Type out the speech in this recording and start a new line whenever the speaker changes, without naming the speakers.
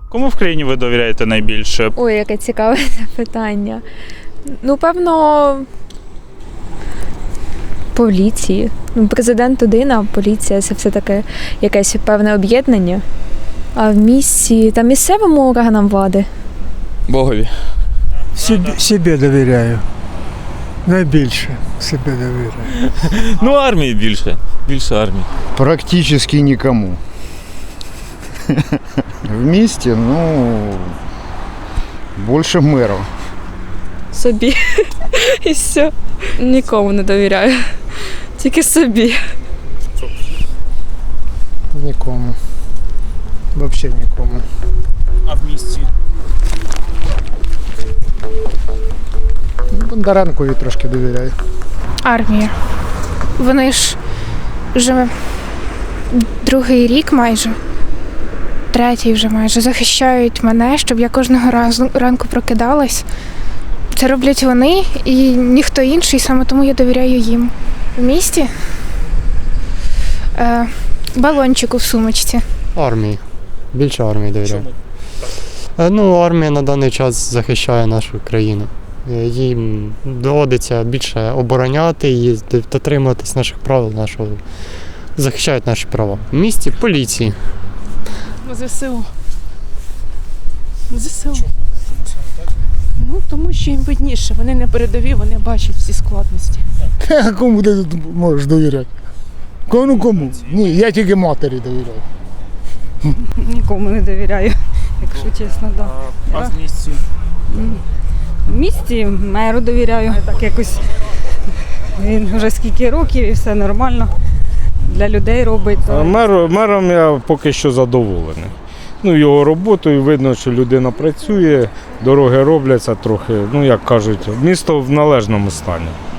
Кому в країні ви довіряєте найбільше?
Ой, яке цікаве запитання. Ну, певно, поліції. Ну, президент один, а поліція – це все-таки якесь певне об'єднання. А в місті та місцевим органам влади.
Богові.
Себе довіряю. Найбільше себе довіряю.
Ну, армії більше. Більше армії.
Практически никому. Вместе, ну, больше мэров.
Собі. І все. Нікому не довіряю. Тільки собі.
Нікому. Взагалі нікому.
А в місті?
Бондаренкові трошки довіряю.
Армія. Вони ж вже другий рік майже, третій вже майже, захищають мене, щоб я кожного ранку прокидалась. Це роблять вони і ніхто інший, саме тому я довіряю їм. В місті балончику в сумочці.
Армії. Більше армії довіряю. Ну, армія на даний час захищає нашу країну. Їм доводиться більше обороняти і дотримуватись наших правил, захищають наші права. В місті поліції.
ЗСУ. ЗСУ. Ну, тому що їм видніше. Вони не передові, вони бачать всі складності.
Кому ти тут можеш довіряти? Кому? Ні, я тільки матері довіряю.
Нікому не довіряю, якщо чесно, так.
А в місті?
В місті меру довіряю. Так якось він вже скільки років і все нормально. Для людей робить.
Мером я поки що задоволений. Ну, його роботою видно, що людина працює, дороги робляться трохи, ну як кажуть, місто в належному стані.